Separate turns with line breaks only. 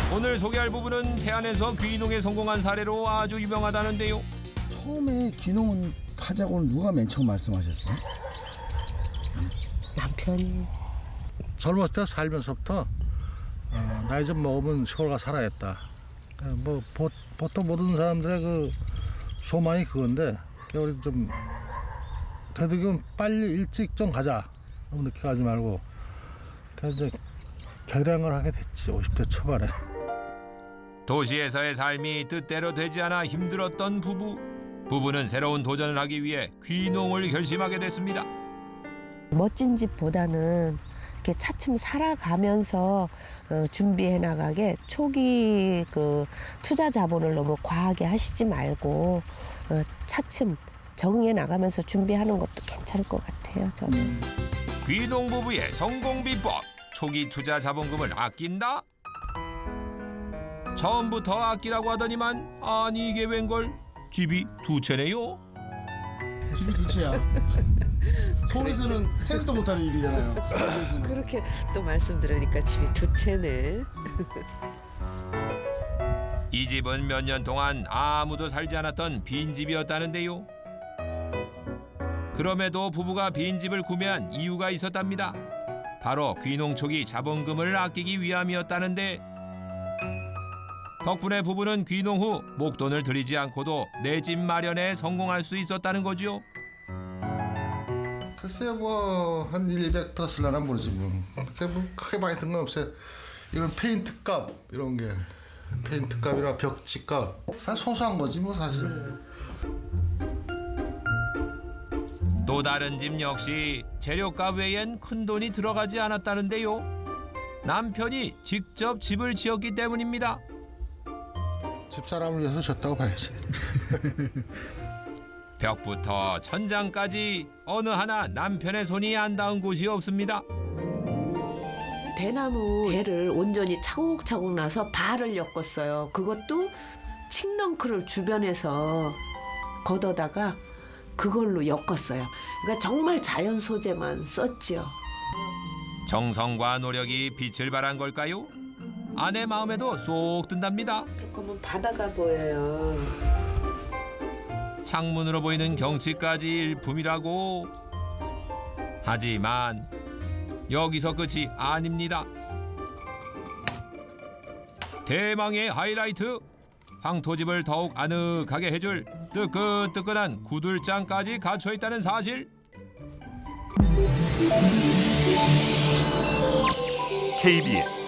오늘 소개할 부부는 태안에서 귀농에 성공한 사례로 아주 유명하다는데요.
처음에 귀농은 하자고는 누가 맨 처음 말씀하셨어요?
남편이.
젊었을 때 살면서부터 나이 좀 먹으면 시골 가 살아야겠다. 뭐 보통 모르는 사람들의 그 소망이 그건데 우리 좀 되도록이면 빨리 일찍 좀 가자. 너무 늦게 가지 말고. 그래서 이제 결량을 하게 됐지 50대 초반에.
도시에서의 삶이 뜻대로 되지 않아 힘들었던 부부. 부부는 새로운 도전을 하기 위해 귀농을 결심하게 됐습니다.
멋진 집보다는 이렇게 차츰 살아가면서 준비해 나가게 초기 그 투자 자본을 너무 과하게 하시지 말고 차츰 적응해 나가면서 준비하는 것도 괜찮을 것 같아요. 저는.
귀농 부부의 성공 비법. 초기 투자 자본금을 아낀다? 처음부터 아끼라고 하더니만 아니 이게 웬걸? 집이 두 채네요.
집이 두 채야. 서울에서는 생각도 못하는 일이잖아요. 서울에서는.
그렇게 또 말씀 들으니까 집이 두 채네.
이 집은 몇 년 동안 아무도 살지 않았던 빈집이었다는데요. 그럼에도 부부가 빈집을 구매한 이유가 있었답니다. 바로 귀농 초기 자본금을 아끼기 위함이었다는데 덕분에 부부는 귀농 후 목돈을 들이지 않고도 내 집 마련에 성공할 수 있었다는 거죠.
글쎄요 뭐한 100 들었을려나 모르지 뭐. 그렇게 뭐 크게 많이 든 건 없어요. 이런 페인트 값 이런 게 페인트 값이나 벽지 값 사실 소소한 거지 뭐 사실.
또 다른 집 역시 재료값 외엔 큰돈이 들어가지 않았다는데요. 남편이 직접 집을 지었기 때문입니다.
집사람을 위해서 졌다고 봐야지.
벽부터 천장까지 어느 하나 남편의 손이 안 닿은 곳이 없습니다.
대나무 배를 온전히 차곡차곡 나서 발을 엮었어요. 그것도 칡넝크를 주변에서 걷어다가 그걸로 엮었어요. 그러니까 정말 자연 소재만 썼지요.
정성과 노력이 빛을 발한 걸까요? 아내 마음에도 쏙 든답니다.
조금은 바다가 보여요.
창문으로 보이는 경치까지 일품이라고. 하지만 여기서 끝이 아닙니다. 대망의 하이라이트. 황토집을 더욱 아늑하게 해줄 뜨끈뜨끈한 구들장까지 갖춰 있다는 사실.
KBS